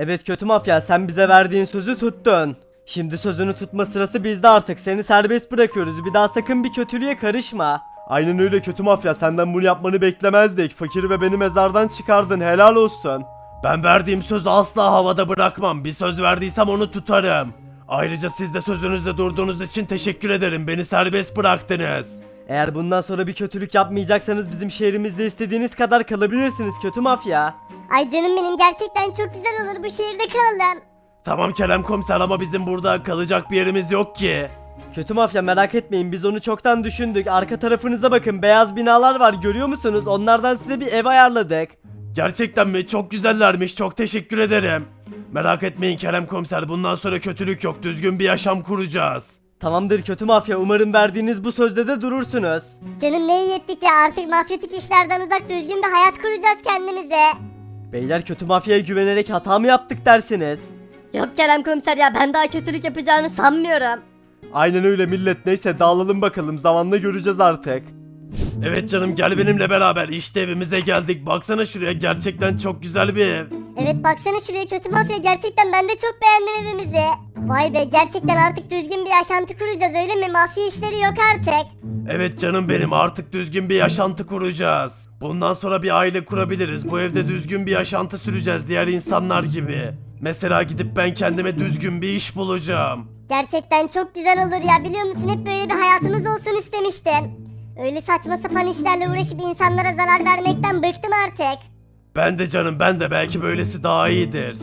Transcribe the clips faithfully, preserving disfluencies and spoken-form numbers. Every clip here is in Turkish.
Evet kötü mafya, sen bize verdiğin sözü tuttun. Şimdi sözünü tutma sırası bizde artık. Seni serbest bırakıyoruz. Bir daha sakın bir kötülüğe karışma. Aynen öyle kötü mafya, senden bunu yapmanı beklemezdik. Fakiri ve beni mezardan çıkardın, helal olsun. Ben verdiğim sözü asla havada bırakmam. Bir söz verdiysem onu tutarım. Ayrıca siz de sözünüzde durduğunuz için teşekkür ederim. Beni serbest bıraktınız. Eğer bundan sonra bir kötülük yapmayacaksanız bizim şehrimizde istediğiniz kadar kalabilirsiniz kötü mafya. Ay canım benim, gerçekten çok güzel olur, bu şehirde kalalım. Tamam Kerem komiser ama bizim burada kalacak bir yerimiz yok ki. Kötü mafya, merak etmeyin, biz onu çoktan düşündük. Arka tarafınıza bakın, beyaz binalar var, görüyor musunuz? Onlardan size bir ev ayarladık. Gerçekten mi? Çok güzellermiş, çok teşekkür ederim. Merak etmeyin Kerem komiser, bundan sonra kötülük yok, düzgün bir yaşam kuracağız. Tamamdır kötü mafya, umarım verdiğiniz bu sözde de durursunuz. Canım ne iyi ettik ya, artık mafyatik işlerden uzak düzgün bir hayat kuracağız kendimize. Beyler, kötü mafyaya güvenerek hata mı yaptık dersiniz? Yok Kerem komiser ya, ben daha kötülük yapacağını sanmıyorum. Aynen öyle millet, neyse dağılalım bakalım, zamanla göreceğiz artık. Evet canım, gel benimle beraber, işte evimize geldik, baksana şuraya, gerçekten çok güzel bir ev. Evet baksana şuraya kötü mafya, gerçekten ben de çok beğendim evimizi. Vay be, gerçekten artık düzgün bir yaşantı kuracağız öyle mi? Mafya işleri yok artık. Evet canım benim, artık düzgün bir yaşantı kuracağız. Bundan sonra bir aile kurabiliriz, bu evde düzgün bir yaşantı süreceğiz diğer insanlar gibi. Mesela gidip ben kendime düzgün bir iş bulacağım. Gerçekten çok güzel olur ya, biliyor musun, hep böyle bir hayatımız olsun istemiştim. Öyle saçma sapan işlerle uğraşıp insanlara zarar vermekten bıktım artık. Ben de canım, ben de, belki böylesi daha iyidir.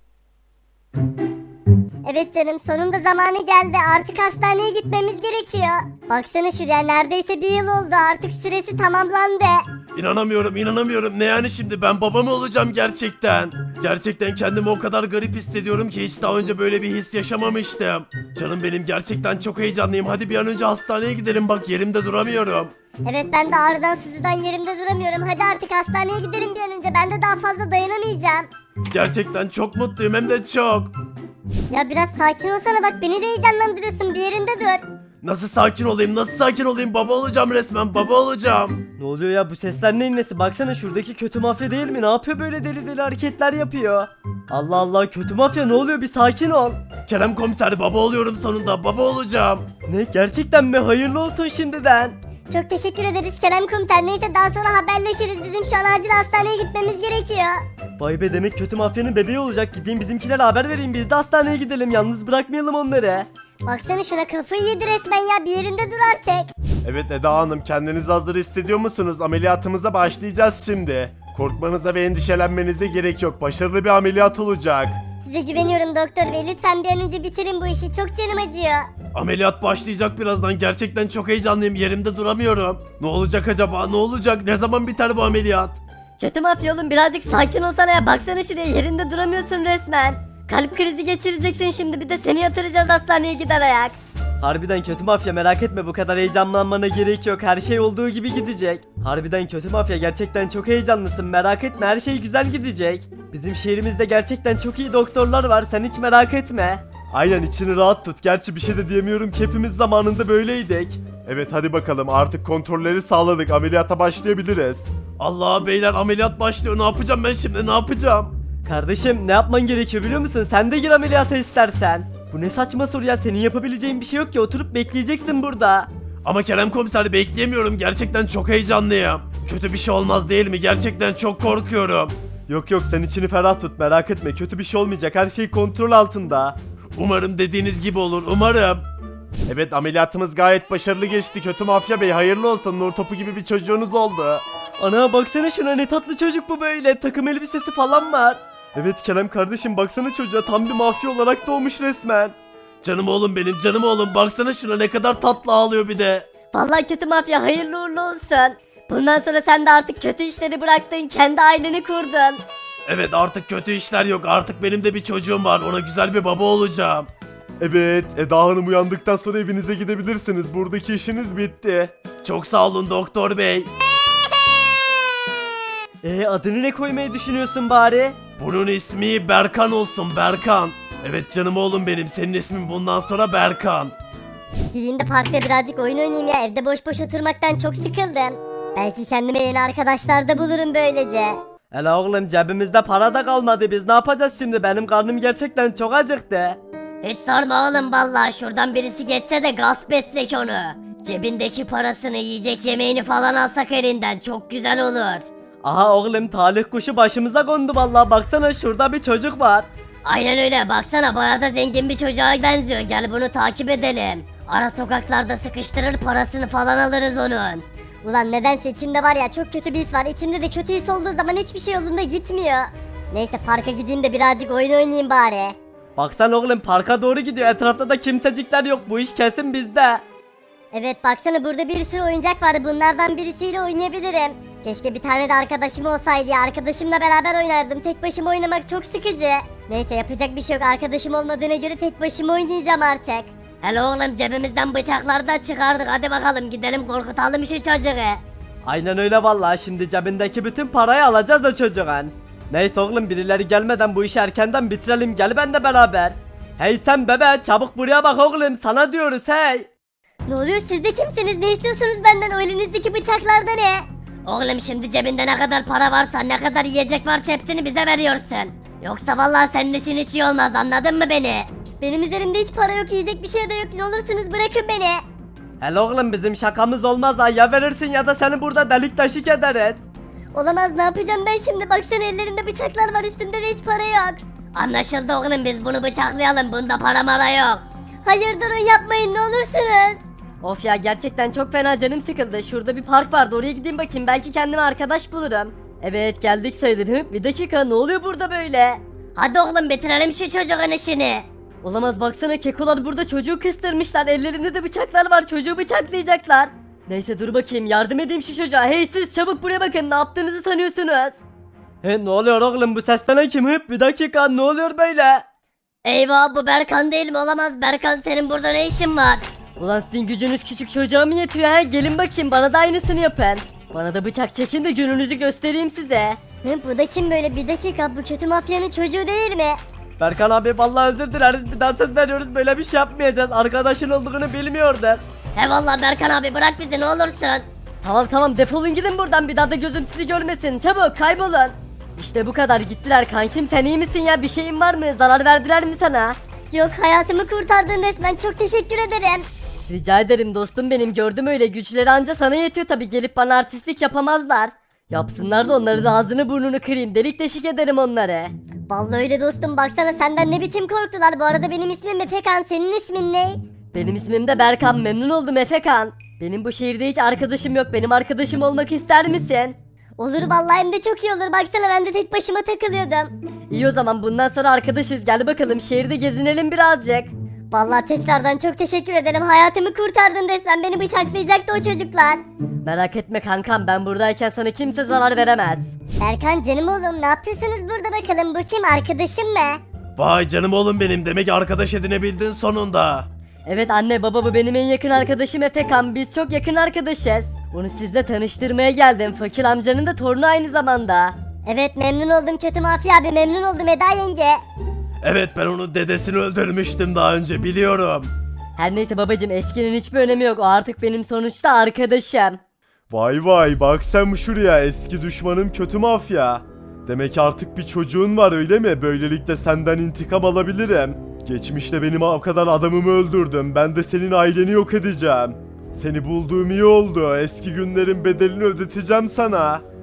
Evet canım, sonunda zamanı geldi, artık hastaneye gitmemiz gerekiyor. Baksana şuraya, neredeyse bir yıl oldu, artık süresi tamamlandı. İnanamıyorum, inanamıyorum. Ne yani şimdi, ben baba mı olacağım gerçekten? Gerçekten kendimi o kadar garip hissediyorum ki hiç daha önce böyle bir his yaşamamıştım. Canım benim, gerçekten çok heyecanlıyım. Hadi bir an önce hastaneye gidelim, bak yerimde duramıyorum. Evet ben de ağrıdan sızıdan yerimde duramıyorum, hadi artık hastaneye gidelim bir an önce, ben de daha fazla dayanamayacağım. Gerçekten çok mutluyum, hem de çok. Ya biraz sakin olsana, bak beni de heyecanlandırıyorsun, bir yerinde dur. Nasıl sakin olayım, nasıl sakin olayım? Baba olacağım resmen, baba olacağım. Ne oluyor ya, bu sesler neyin nesi? Baksana şuradaki kötü mafya değil mi? Ne yapıyor, böyle deli deli hareketler yapıyor? Allah Allah, kötü mafya ne oluyor, bir sakin ol. Kerem komiser, baba oluyorum sonunda, baba olacağım. Ne, gerçekten mi? Hayırlı olsun şimdiden. Çok teşekkür ederiz Kerem Komiser, neyse daha sonra haberleşiriz, bizim şu an acil hastaneye gitmemiz gerekiyor. Vay be, demek kötü mafyanın bebeği olacak. Gideyim bizimkilere haber vereyim, biz de hastaneye gidelim, yalnız bırakmayalım onları. Baksana şuna, kafayı yedi resmen ya, bir yerinde dur artık. Evet Eda Hanım, kendinizi hazır hissediyor musunuz? Ameliyatımıza başlayacağız şimdi. Korkmanıza ve endişelenmenize gerek yok. Başarılı bir ameliyat olacak. Size güveniyorum doktor bey, lütfen bir an önce bitirin bu işi, çok canım acıyor. Ameliyat başlayacak birazdan, gerçekten çok heyecanlıyım, yerimde duramıyorum. Ne olacak acaba, ne olacak, ne zaman biter bu ameliyat? Kötü mafya oğlum, birazcık sakin olsana ya, baksana şuraya, yerinde duramıyorsun resmen. Kalp krizi geçireceksin şimdi, bir de seni yatıracağız hastaneye gider ayak. Harbiden kötü mafya, merak etme, bu kadar heyecanlanmana gerek yok, her şey olduğu gibi gidecek. Harbiden kötü mafya, gerçekten çok heyecanlısın, merak etme, her şey güzel gidecek. Bizim şehrimizde gerçekten çok iyi doktorlar var, sen hiç merak etme. Aynen, içini rahat tut, gerçi bir şey de diyemiyorum ki hepimiz zamanında böyleydik. Evet hadi bakalım, artık kontrolleri sağladık. Ameliyata başlayabiliriz. Allah beyler, ameliyat başlıyor, ne yapacağım ben şimdi, ne yapacağım? Kardeşim, ne yapman gerekiyor biliyor musun? Sen de gir ameliyata istersen. Bu ne saçma soru ya, senin yapabileceğin bir şey yok ki, oturup bekleyeceksin burada. Ama Kerem komiser, bekleyemiyorum, gerçekten çok heyecanlıyım. Kötü bir şey olmaz değil mi? Gerçekten çok korkuyorum. Yok yok, sen içini ferah tut, merak etme, kötü bir şey olmayacak, her şey kontrol altında. Umarım dediğiniz gibi olur, umarım. Evet, ameliyatımız gayet başarılı geçti. Kötü mafya bey, hayırlı olsun. Nur topu gibi bir çocuğunuz oldu. Ana baksana şuna, ne tatlı çocuk bu böyle, takım elbisesi falan var. Evet Kerem kardeşim, baksana çocuğa, tam bir mafya olarak doğmuş resmen. Canım oğlum benim, canım oğlum, baksana şuna, ne kadar tatlı ağlıyor bir de. Vallahi kötü mafya, hayırlı uğurlu olsun. Bundan sonra sen de artık kötü işleri bıraktın, kendi aileni kurdun. Evet, artık kötü işler yok, artık benim de bir çocuğum var, ona güzel bir baba olacağım. Evet, Eda Hanım uyandıktan sonra evinize gidebilirsiniz. Buradaki işiniz bitti. Çok sağ olun doktor bey. Ee, adını ne koymayı düşünüyorsun bari? Bunun ismi Berkan olsun, Berkan. Evet canım oğlum benim, senin ismin bundan sonra Berkan. Gideyim de parkta birazcık oyun oynayayım ya, evde boş boş oturmaktan çok sıkıldım. Belki kendime yeni arkadaşlar da bulurum böylece. Hele oğlum cebimizde para da kalmadı biz ne yapacağız şimdi benim karnım gerçekten çok acıktı. Hiç sorma oğlum vallahi şuradan birisi geçse de gasp etsek onu. Cebindeki parasını yiyecek yemeğini falan alsak elinden çok güzel olur. Aha oğlum talih kuşu başımıza kondu vallahi baksana şurada bir çocuk var. Aynen öyle baksana bayağı da zengin bir çocuğa benziyor gel bunu takip edelim. Ara sokaklarda sıkıştırır parasını falan alırız onun. Ulan nedense içimde var ya çok kötü bir his var. İçimde de kötü his olduğu zaman hiçbir şey yolunda gitmiyor. Neyse parka gideyim de birazcık oyun oynayayım bari. Baksana oğlum parka doğru gidiyor etrafta da kimsecikler yok bu iş kesin bizde. Evet baksana burada bir sürü oyuncak vardı. Bunlardan birisiyle oynayabilirim. Keşke bir tane de arkadaşım olsaydı ya. Arkadaşımla beraber oynardım. Tek başıma oynamak çok sıkıcı. Neyse yapacak bir şey yok. Arkadaşım olmadığına göre tek başıma oynayacağım artık. Hele oğlum cebimizden bıçakları da çıkardık hadi bakalım gidelim korkutalım şu çocuğu. Aynen öyle vallahi şimdi cebindeki bütün parayı alacağız o çocuğun. Neyse oğlum birileri gelmeden bu işi erkenden bitirelim gel ben de beraber. Hey sen bebe çabuk buraya bak oğlum sana diyoruz hey. Ne oluyor siz de kimsiniz? Ne istiyorsunuz benden? O elinizdeki bıçaklarda ne? Oğlum şimdi cebinde ne kadar para varsa ne kadar yiyecek varsa hepsini bize veriyorsun. Yoksa vallahi senin için hiç iyi olmaz anladın mı beni? Benim üzerimde hiç para yok, yiyecek bir şey de yok. Ne olursunuz bırakın beni. Hele oğlum bizim şakamız olmaz ha ya verirsin ya da seni burada delik deşik ederiz. Olamaz ne yapacağım ben şimdi? Baksana ellerinde bıçaklar var, üstümde de hiç para yok. Anlaşıldı oğlum biz bunu bıçaklayalım bunda para mara yok. Hayır durun yapmayın ne olursunuz. Of ya gerçekten çok fena canım sıkıldı. Şurada bir park vardı oraya gideyim bakayım belki kendime arkadaş bulurum. Evet geldik sayılır. Hı? Bir dakika ne oluyor burada böyle? Hadi oğlum bitirelim şu çocuğun işini. Olamaz baksana kekolar burada çocuğu kıstırmışlar. Ellerinde de bıçaklar var çocuğu bıçaklayacaklar. Neyse dur bakayım yardım edeyim şu çocuğa. Hey siz çabuk buraya bakın ne yaptığınızı sanıyorsunuz? He ne oluyor oğlum bu seslenen kim hıp bir dakika ne oluyor böyle? Eyvah bu Berkan değil mi olamaz Berkan senin burada ne işin var? Ulan sizin gücünüz küçük çocuğa mı yetiyor he? Gelin bakayım bana da aynısını yapın. Bana da bıçak çekin de gününüzü göstereyim size. Hı, bu da kim böyle? Bir dakika bu kötü mafyanın çocuğu değil mi? Berkan abi vallahi özür dileriz bir daha söz veriyoruz böyle bir şey yapmayacağız arkadaşın olduğunu bilmiyordum. He valla Berkan abi bırak bizi ne olursun. Tamam tamam defolun gidin buradan bir daha da gözüm sizi görmesin çabuk kaybolun. İşte bu kadar gittiler kankim sen iyi misin ya bir şeyin var mı zarar verdiler mi sana? Yok hayatımı kurtardın resmen, çok teşekkür ederim. Rica ederim dostum benim gördüm öyle güçleri anca sana yetiyor tabi gelip bana artistlik yapamazlar. Yapsınlar da onların ağzını burnunu kırayım delik deşik ederim onları. Vallahi öyle dostum, baksana senden ne biçim korktular. Bu arada benim ismim Efekan, senin ismin ne? Benim ismim de Berkan memnun oldum Efekan. Benim bu şehirde hiç arkadaşım yok benim arkadaşım olmak ister misin? Olur vallahi, hem de çok iyi olur. Baksana ben de tek başıma takılıyordum. İyi o zaman bundan sonra arkadaşız gel bakalım şehirde gezinelim birazcık. Vallahi tekrardan çok teşekkür ederim. Hayatımı kurtardın resmen. Beni bıçaklayacaktı o çocuklar. Merak etme kankam ben buradayken sana kimse zarar veremez. Berkan canım oğlum, ne yapıyorsunuz burada bakalım? Bu kim, arkadaşım mı? Vay canım oğlum benim demek arkadaş edinebildin sonunda. Evet anne baba bu benim en yakın arkadaşım Efekan biz çok yakın arkadaşız. Onu sizle tanıştırmaya geldim fakir amcanın da torunu aynı zamanda. Evet memnun oldum kötü mafya abi, memnun oldum Eda yenge. Evet ben onun dedesini öldürmüştüm daha önce biliyorum. Her neyse babacım eskinin hiçbir önemi yok o artık benim sonuçta arkadaşım. Vay vay bak sen şuraya eski düşmanım kötü mafya. Demek artık bir çocuğun var öyle mi? Böylelikle senden intikam alabilirim. Geçmişte benim o kadar adamımı öldürdüm. Ben de senin aileni yok edeceğim. Seni bulduğum iyi oldu. Eski günlerin bedelini ödeteceğim sana.